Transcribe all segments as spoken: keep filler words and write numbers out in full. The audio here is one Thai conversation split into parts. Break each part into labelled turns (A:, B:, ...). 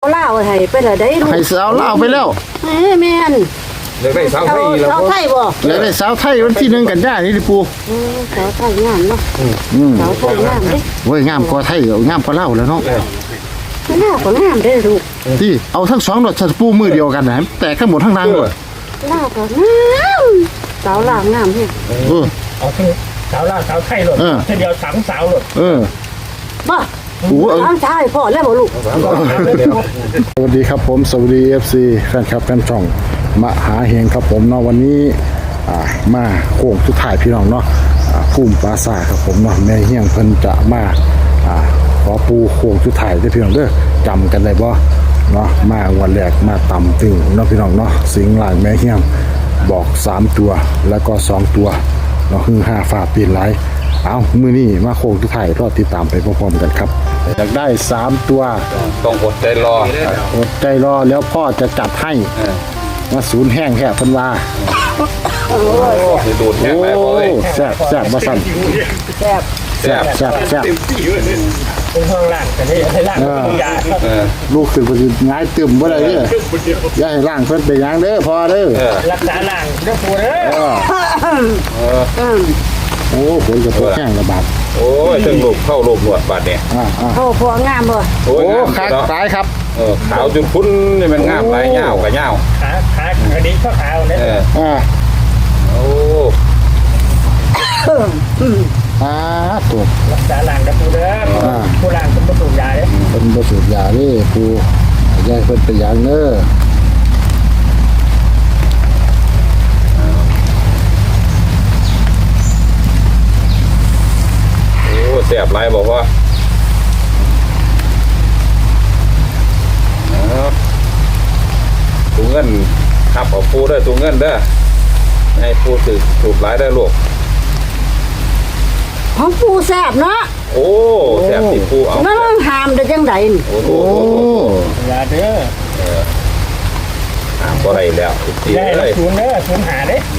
A: เล่าให้ไปละได้ลูก
B: ให้สาวเล่าไปแล้ว
A: เอ้แม่น
C: เด็กได้สาวไทยแล้ว
A: สาวไทยบ่
B: เลยได้สาวไทยวันที่หนึ่งกันยานี่ดิปู
A: เออสาวไทยงามเนาะสาวไทยงามเด้
B: เว้ยงามกว่าไทยงามกว่าเล่าแล้วเนาะ
A: หน้าก็งามได้ลูก
B: ที่เอาทั้งสองดอกปูมือเดียวกันนะแต่ข้างบนข้างล่างด้วย
A: เล่าก็งามสาวลาวงามเฮ้ย
B: เออ
D: เอาทั้งสาวลาวสาวไทยหลดเช่นเดียวสามสาวหลด
B: เออ
A: บ่โอ้สามชายพ่อแล้วบ่ลูก
B: สวัสดีครับผมสวัสดี เอฟ ซี แฟนคลับแฟนช่องมหาเฮงครับผมเนาะวันนี้มาโค้งสุดท้ายพี่น้องเนาะภูมิปราสาทครับผมเนาะแม่เฮียงเพิ่นจะมาขอปูโค้งสุดท้ายได้พี่น้องเด้อจำกันได้บ่เนาะมาวันแรกมาต่ำตึงเนาะพี่น้องเนาะสิงหลายแม่เฮียงบอกสามตัวแล้วก็สองตัวเนาะคือห้าฝาปีนไหลเอามื้อนี้มาโค้งสุดท้ายรอติดตามไปพร้อมๆกันครับอยากได้สามตัว
C: ต้องอดใจรอ
B: อดใจรอแล้วพ่อจะจัดให้มาศูนย์แห้งแค่เพิ่นว่า
C: โอ้ยดูดแห้งไปพ่อเอ้ย
B: แซ่บแซ่บบ่สั่น
A: แซ่บ
B: แซ่บแซ่บแซ่บ
D: เป็นห้องล่างแต่นี่ให้ล่างเป็นยา
B: ลูกขึ้นไปง่ายตึมบ่ได้เด้ออย่าให้ล่างเพิ่นไปหยังเด้อพอเด้อ
D: รักษาล่างเด้อปู่เด้อ
B: เออโอ้ฝนจะตกแห้งระบาด
C: โอ้ยถึงลูกเข้าลูกหนวดบาดเนี่ย
A: โอ้พองามบ่
B: โอ้ขาสายครับ
C: เออขาวจนพุ้นนี่มันงามหลายยาวกับยาว
D: ขาขาอันนี้ก็ขาวเนี่ย
B: อ่า
C: โอ้
B: อ่าตัว
D: รักษาล่างเด้อปู่เด้อผู้ล่างเป็นประตูยาเด้อ
B: เป็นประตูยาเด้ปู่ยายเพิ่นไปหยังเด้อ
C: เสียบไรบอกว่าตัวเงินขับเอาปูได้ตัวเงินเด้อให้ปูถือถูกไรได้ลูก
A: ของปูแซ่บเนาะ
C: โอ้แซ่บติปูเอา
A: นั่นหามได้จังไดนี่
C: โอ้โห
D: ยาเด้อ
C: หามบ่ได้แล้ว
D: ได้แล้วศูนย์เด้อศูนย์หาเด้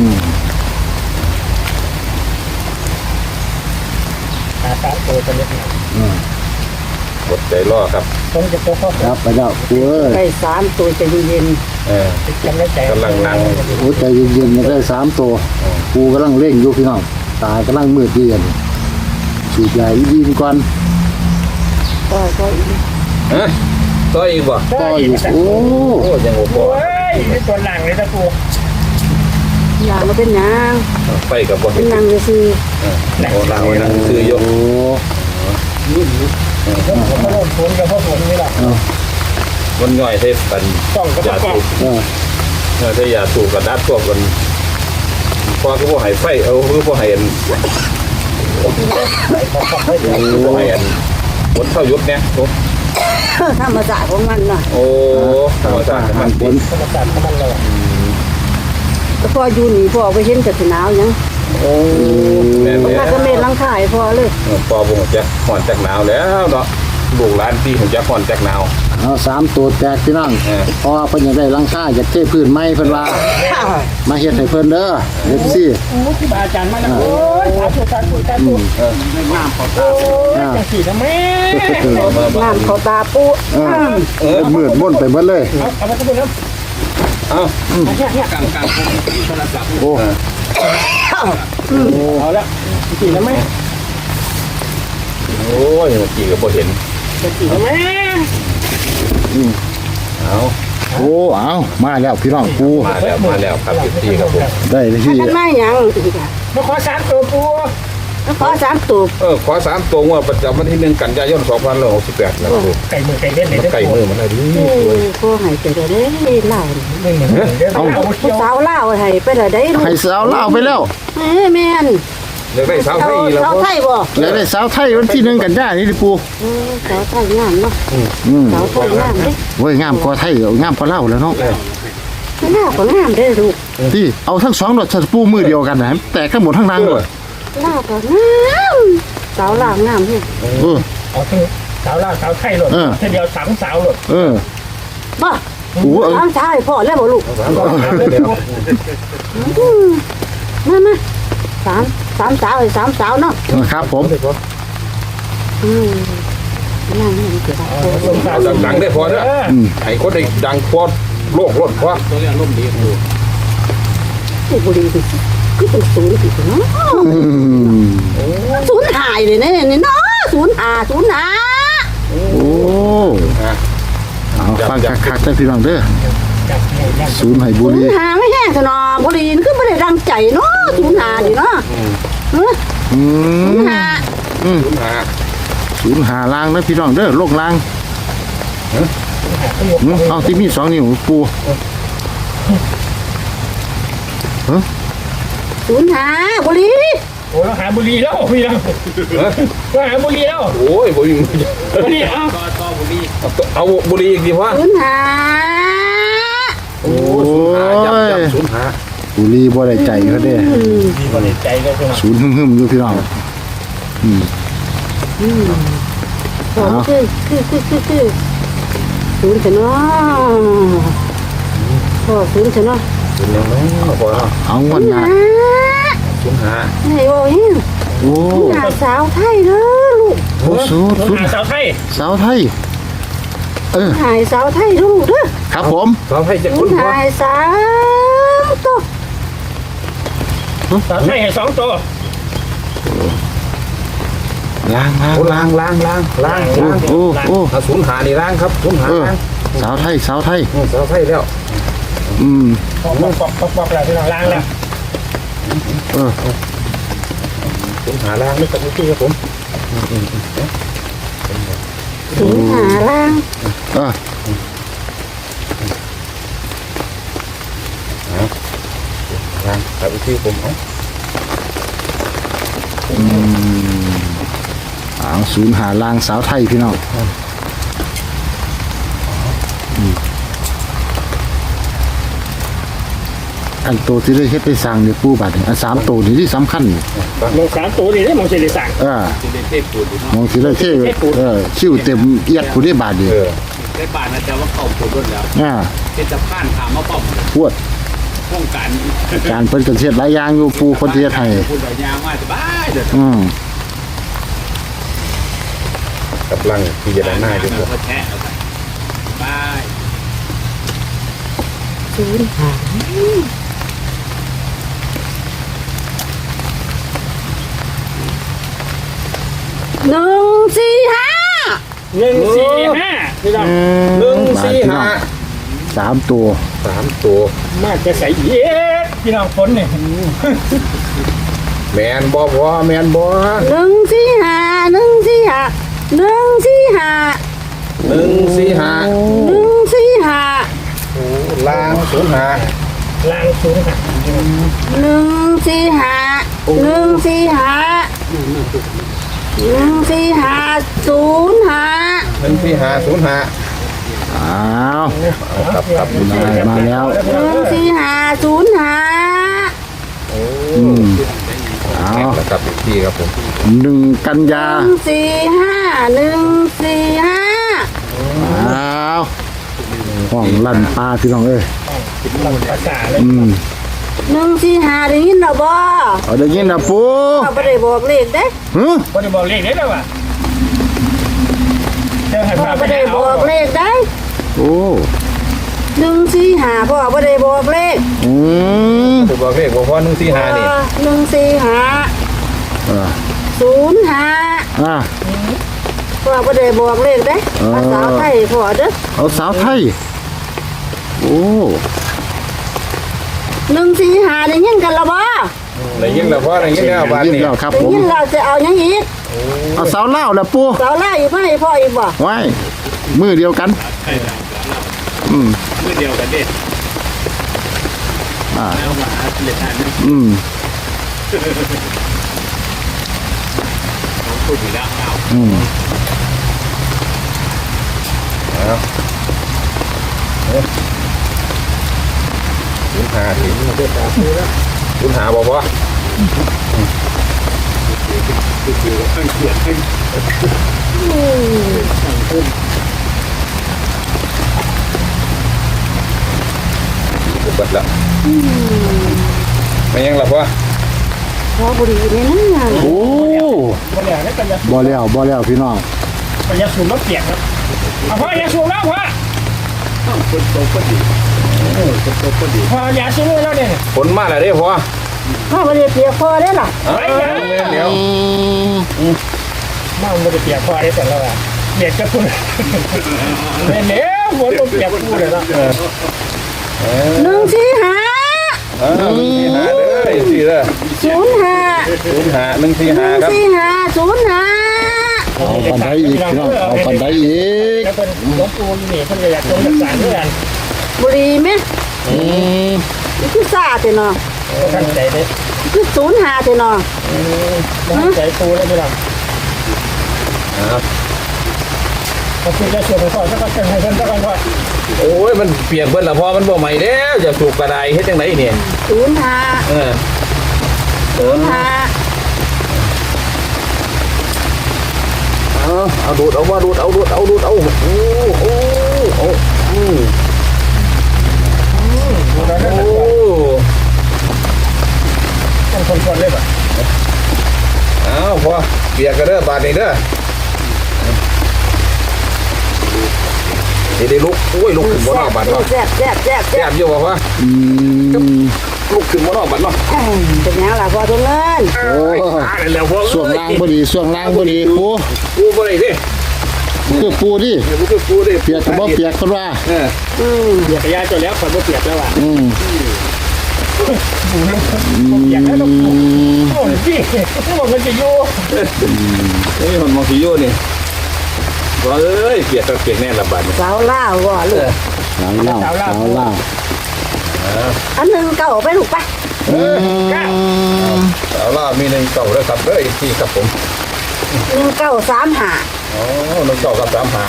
D: หาสามตัวจะเล็กหน่อย
C: กดใจรอครับ
D: ต้องจะตัวข้อ
B: ครับไปแล้วปูเอ้ย
A: ไปสามตัวใจเย็น
C: เออกำลังนั่ง
B: โอ้ใจเย็นๆได้สามตัวปูกำลังเร่งอยู่พี่น้องตากำลังมืดเย็นสูบใหญ่ดีก่อน
A: ก็ก็อีก
C: ฮะต่ออีกบ่
B: ต่ออีกโอ้
C: โหยังโอ้โห
D: เฮ้ยตัวหลังเลยตะปู
A: หลังมาเป็นหยัง
C: ไฟกับบ่
A: เป็นหยังซื่อ
C: โอ้หลังไว้นั่งซื้ออยู่
B: โอ้
D: ยุ่นยุ่นผมก็โดนฝนกับพ่อฝนนี่แหละ
C: มันย่อยเทปกันยาสูบเออถ้ายาสูบกับดัดพวกกันพอก็พวกหายไฟเอาคือพวกหายอันพวกหายอันบนเท่ายุดเนี่ย
A: ธรรมชาติของมันน่ะ
C: โอ้ธรรมชาติของมัน
D: บนธรรมชาติของมันเลย
A: แต่พออยู่นี่พอไปเห็นแต่หนาวยัง
C: โอ้
A: แม่ถ้าก็เมลังคายพอเลย
C: พอบ่จะห่อนจากหนาวแล้วเนาะบุกร้านที่ผมจะห่อนจากหนาว
B: เอาสามตัวแตกพี่น้องพอเพิ่นอยากได้ลังค่าอยากเทพื้นไม้เพิ่นว่ามาเฮ็ดให้เพิ่นเด้อเฮ็ดสิ
D: โอ้ที่บาอาจารย์มาแล้วโอ้ยสาธุสาธุสาธุเออน้ำเขาตาโอ้ยจังซี่นะแม่
A: น้ำเขาตาปู
B: เออมืดม่นไปหมดเลย
D: เอาเอามาทุกคน
C: เอา
D: เนี่ยเนี่ยกลางกลางโทรศัพท์โอ้เอาละจีนะแม่
C: โอ้ยเมื่อกี้ก็พอเห็น
D: จีนะแม่
C: เอา
B: โอ้เอามาแล้วพี่น้องปู
C: มาแล้วมาแล้วครับพี่ครับผม
B: ได้ที่
A: ทำไมยังอีกอ่ะ
D: มาขอสามตัวปู
A: มาขอสามตัว
C: เออขอสามตัวว่าประจำวันที่หนึ่งกันยายนสองพันหกสิบแปดนะครู
D: ไก่มือไก่เล่นเลย
C: ไก่มือมันอะไรดี
A: พ่อหายไปเลยเล่า
D: ไม่เหมือน
A: เอาสาวเล่าให้ไปเลยได้
B: ให้สาวเล่าไปแล้ว
A: เอ้แม่น
C: อยากได้สาวไทยแล้ว
A: สาวไทยบ่
B: อยากได้สาวไทยวันที่หนึ่งกันยานี่ดิปู
A: สาวไทยงามเนาะสาวไทยงามเด้
B: เว้ยงามกว่าไทยงามกว่าเล่าแล้วเนาะ
A: งามกว่างามได้ลูก
B: ที่เอาทั้งสองดอกปูมือเดียวกันนะแต่ข้างบนข้างล่างด้วย
A: เล่าก็งามสาวลาวงามเฮ้ย
B: เออ
D: เอาทั้งสาวลาวสาวไทยหลดเช่นเดียวสามสาวหลด
B: เออ
A: บ่สามชายพ่อแล้วบ่ลูกมามาสามสามสาวสามสาวเนาะ
B: ครับผม
A: อืมนั่งนี่เกิดอะไร
C: เอาดังๆได้พอเด้อให้คนได้ดังพอโลกรถพอ
A: ที่บุรีสิคือเป็นศูนย์สิเนาะ
B: อืม
A: ศูนย์หายเลยนะเนี่ยเนาะศูนย์หาศูนย์หา
B: โอ้เอาฟังคักๆได้พี่น้องเด้อศูนย์ให้บุ
A: ศูน
B: รี
A: ย์หาไม่แห้งซะเนาะบุรีนี่คือไม่ได้ดังใจเนาะศูนย์หาดิเนาะเออ
B: อื
A: ศูน
B: ม
A: ย์หา
B: อืม
C: ศูนย์หา
B: ศูนย์หาล่างนะพี่น้องเด้อโลกล่างอืมเอาที่มีสองนิ้วปู
A: ศูนย์หาบุรี
D: โอ้เราหาบุรีแล้วพี่น้องเราหาบุรีแล้ว
C: โอ้ยบ่ยิง
D: บุรีเอา
C: เอาบุรีอีกดีวะ
A: ศูนย์หา
B: โอ้
C: จับจับ
B: ย
C: ศูนย์หา
B: บุรีบ่ได้ใจเขาเด้
D: ดีบริใจก็คือ
B: ศูนย์หึ่มๆอยู่พี่น้อง
A: บอกคือคือคือคือคือศูนย์ซะเนาะพอศูนย์ซะเนาะ
C: ศูนย์ยังไม่พอแล้ว
B: เอางวดหน้า
A: หา
C: ศูนย์หา
A: ไอ้โอ้ย
B: โอ้
A: หาสาวไทยเด้อลูก
B: โหศูนย์ศูนย์
D: หาสาวไทย
B: สาวไทยเออ
A: หายสาวไทยลูกเด้อ
B: ครับผม
C: เราให้จะ
A: ศู
C: คุ
A: น
C: ณ
A: ย์
C: พอ
A: หายสามตัว
D: สาวไทยให้สองตัว
B: ล้างล้าง
C: โอ้ล้างล้างล้างล้าง
B: โอ้
C: ล้าง
B: โอ้โอ้
C: เอาศูนย์หานี่ล้างครับศูนย์หา
B: เออ
C: ล้าง
B: สาวไทยสาวไทย
C: อืมสาวไทยแล้ว
B: อืม
D: ปอกปอกปอกปอกปอกแล้วพี่น้องล้างแล้ว
B: เออ
C: ศูนย์หาล้างนี่ครับพี่ครับผม
A: ศูนย์หาล่าง
B: เออ
C: ล้างครับพี่ผมเอา
B: เอาศูนย์หาล้างสาวไทยพี่น้องอืมอันโตที่ได้เฮ็ดได้สร้างเนี่ยปูบัดนี่อันสามโตนี่ที่สำคัญนี่
D: มองสามตัวนี่ได้มองเฉลี่ยสั่ง
B: เออมองสิได้เท่เออคิ้วเต็มเอียดผู้ได้บาดนี่
C: เออ
E: ได้บาทนะจ๊ะว่าเข้าผลรถแล้ว
B: อ่า
E: เป็นสะพานถามมาป้อม
B: พวด
E: ป้องกัน
B: การเพิ่นก็เฮ็ดหลายอย่างอยู่ปูคนที่เฮ็ดให้
E: พูดหลายอย่างว่าสบายเด้อ
B: อืม
C: กับลังพิจารณาอยู่
E: เออก็แท้เอาไปบาย
A: ศูนย์หาหนึ่งสี่ห้า
D: หนึ่งสี่ห้าพี่น้อง
C: หนึ่งสี่ห้า
B: สามตัว
C: สามตัว
D: มากจะใส่เย็ดพี่น้องฝนเนี่ย
C: แมนบอพอแมนบอ
A: หนึ่งสี่ห้าหนึ่งสี่ห้าหนึ่งสี่ห้า
C: หนึ่งสี่ห้า
A: หนึ่งสี่ห้า
C: ล้างศูนย์หา
D: ล้างศูนย์หัก
A: หนึ่งสี่ห้าหนึ่งสี่ห้าหนึ่งสี่ห้าศูนย์ห้า
C: หนึ่งสี่ห้าศูนย์ห้า
B: อ้าว
C: ครับครับ
B: ได้มาแล้ว
A: หนึ่งสี่ห้าศูนย์ห้า
B: อืมเอา
C: แล้วครับอีกทีครับผม
B: หนึ่งกันยา
A: หนึ่งสี่ห้าหนึ่งสี่ห้า
B: อ้าวห้องลั่นปลาพี่น้องเอ้ย
D: ลำภาษาเลย
B: อืม
A: หนึ่งสี่ห้าได้ยินหรอบ่
B: เอาได้ยินนะปู
A: เขาไม่ได้บอกเลขเด้
B: ฮึ
D: บริบอกเลขได้แล้วว่ะเจ้าให้
A: พ่อ
D: พาไป
A: ไม่ได้
D: เอา
A: บอกเลขได้
B: โอ้
A: หนึ่งสี่ห้าพ่อไม่ได้บอกเลข
B: อืม
C: ถูกบอกเลขบอกว่าหนึ่งสี่ห้านี่
A: หนึ่งสี่ห้า
B: เออ
A: ศูนย์ห้า
B: อ่ะ
A: พ่อไม่ได้บอกเลขเด้
B: เออ
A: ภาษาไทยพ่อเด้อ
B: เอาสาวไทย โอ้
A: หนึ่งสี่ห้าได้ยินกันหรอบ่
C: ได้ยินแล้วพอได้ยินแล้วบาท
B: ยิน
C: นี่
B: แล้วครับ
A: ได้
B: ผม
A: ยินเราจะเอายังอีก
B: เอาสาวเล่าวแล้วปู
A: สาวไล่อีกไหมพ่ออีกบ่
B: ไว้มือเดียวกัน อืม
E: เมื่อเดียวกันเด็ด
B: อ่า
E: แล้วมาเล็ดทาน
B: อืม
E: ผมพูดถึงแล้วเอา
B: อืม
C: ศูนย์ห้าถึงศูนย์ห้าบอกว่า
E: คือข้างเขียนข้าง
C: ถูกบัดแล้วไม่ยังหลับวะ
A: พ่อบุรีนี่นะ
B: โอ้
D: บริหารแล้วกันจะ
B: บ่แล้วบ่แล้วพี่น้อง
D: มันจะสูงแล้วเปียกครับเอาพ่ออย่าสูงแล้วพ่อ
E: คนโตก็ดีคนโตก็ดี
D: พ่ออย่าสูงแล้วเนี่ย
C: ผลมาแล้วเด้พอ
A: พ่อไม่ได้เปียกพอได้หรอ
C: เอ้ยเดี๋ยว
D: มั่งมันจะเปียกพ่อได้แต่ละวันเปียกจะพูดเนี่ยเนี่ยฝนมันเปียกพูดเลยนะ
A: หนึ่งสี่ห้า
C: เออหนึ่งสี่ห้าเด้อสี่เด้อ
A: ศูนย์ห้า
C: ศูนย์ห้าหนึ่งสี่
A: ห
C: ห้า
A: นึ่ง
C: ครับ
A: สี่ห้าศูนย์ห้า
B: เอาปันไดอีกพี่น้องเอาปันไดอีก
D: แล้วเป็นหลวงปู่นี่เพิ่นก็อยากจงรักษาเพื่อน
A: บุรีไหม
B: อืม
A: นี่คือซาเถอะเนาะ
D: ท่านใจเด้
A: คือศูนย์ห้าเถอะเนาะ
D: ท่านใจปูแล้วพี่น้อง
C: ครับ
D: พอคุณจะชวนไปก่อนแล้วก็จะให้เพิ่นสักก่อนว่า
C: โอ้ยมันเปียกเบิดละพอมันบ่ใหม่แล้วจะสูบกระไดเฮ็ดจังไดเนี่ย
A: ศูนย์ห้า
C: เออ
A: ศูนย์ห้า
C: เอาเอาดูดเอาว่าดูดเอาดูดเอาดูดเอาโอ้โอ้โอ้อืม
D: ดูแล้วนั่น
C: โอ้
D: ต้องคนๆเลยป่ะ
C: เอาพอเปียกกันเด้อบาดนี้เด้อนี่ได้ลุกโอ้ยลุกขึ้นบนนอกบาดเนาะ
A: แซ่บแซ่บแซ่บ
C: แซ่
A: แซ่บบ
C: อยู่บ่วะ
B: อืม
C: ลุกขึ้นบนนอกบาดเนาะ
A: เป็นยังล่ะพอทุกเงิน
B: โอ้
C: ตายแล้วพอ
B: ส่วงล่างพอดีส่วงล่างพอดีปู
C: กูบ่ได้ดิ
B: คือปูดิ
C: เดี๋ยวกูคือกูดิ
B: เปียกกับบ่เปียกคนว่า
C: เออ
A: อืม
D: เปียกยาจนแล้วคนก็เปียกแล้วอ่ะ
B: อืม
D: ปูน้ำเปียกแล้วต้องปูโอ้ยพี่ที่บอกมันจะอยู่
C: นี่มันมองสิโยนี่ว่าเอ้ยเปียกก็เปียกแน่ละบาดนี้
A: สาวล่าวว่ลูก
B: สาวเล่าสาวเล่า
A: อันหนึ่งเก่าไปลูกไป
B: อืม
C: เอาล่ะมีหนึ่งเก่าแล้วครับเด้อที่ครับผม
A: หนึ่งเก่าสามห้า
C: อ๋อหนึ่งเก่ากับสามหา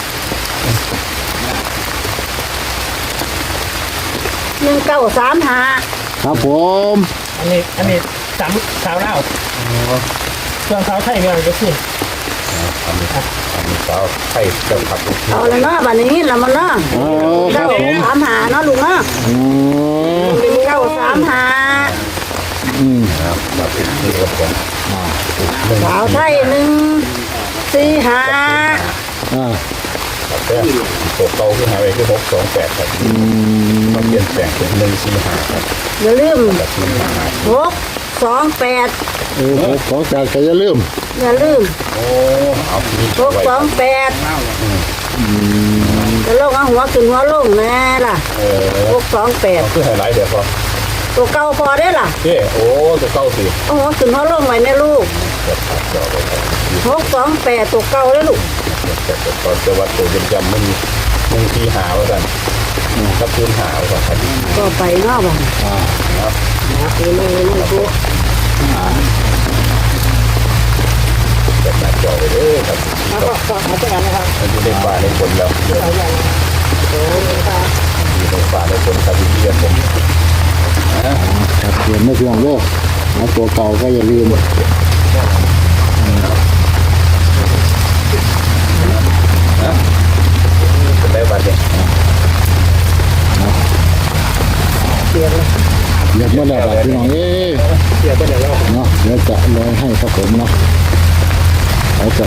A: หนึ่งเก่าสามห้า
B: ครับผม
D: อันนี้อันนี้สามสาวเล่าส่วนสาวไทยเนี่ยจะขึ้น
C: อันนี้อันนี้สาวไทยเจ้าครับ
A: เอาแล้วเนาะบัดนี้เรามาเนาะ
B: เอาครั
A: เก้า
B: บผม
A: สามห้าเนาะลุงเนาะ
B: อืม
A: หนึ่งเก้าสามห้า
B: อืม
C: ครับแบบนี้ครับผม
A: สาวไทยหนึ่งสี่ห้า
B: อ่า
C: ครับเด้อตัวเก่าขึ้นหาไปคือหกสองแปดครับ
B: อืม
C: มันเปลี่ยนแปลงเป็นหนึ่งสี่ห้าครับ
A: อย่าลืม
C: แบบสี่ห้า
A: หกสองแปด
B: โอ้โหขอจากก็อย่าลืม
A: อย่าลืม
C: โอ้เอาที่
A: หก
C: ไว้
A: สองแปดจะลงเอาหัวขึ้นหัวลงแน่ล่ะ
C: เออ
A: หกสองแปด
C: คือไฮไลท์เดี๋ยวพอ
A: ตัวเก่าพอได้ล่ะ
C: เจ้โอ้ตัวเก่าสิ
A: เอาหัวขึ้นหัวลงไว้แม่ลูก
C: แบบตัดจอไปครับ
A: หกสองแปดตัวเก่าได้ลูก
C: แต่ตอนจะวัดตัวจำจำมันหนึ่งสี่หาไว้กันครับพื้นหาไว้ก่อนครับ
A: ก็ไปเนาะบ้านนะไปเลยเลยลูก
C: แบบตัดจอไปเลยครับ
D: แล้วก็ก็มาจากนั้นนะครับ
C: มันอยู่ในป่าในคนแล้วเดี๋ยวอยู่ในป่าในคนครับที่เรียนผม
B: ครับเปลี่ยนไม่เพียงโลกเอาตัวเก่าก็อย่าลืม
C: เป็นได้บัดเนี่ย
B: เรียกเมื่อไหร่ครับพี่น้องเอ้ย
D: เปียกไปไหนแล้ว
B: เนาะเดี๋ยวจะลอยให้ครับผมเนาะเอาจะ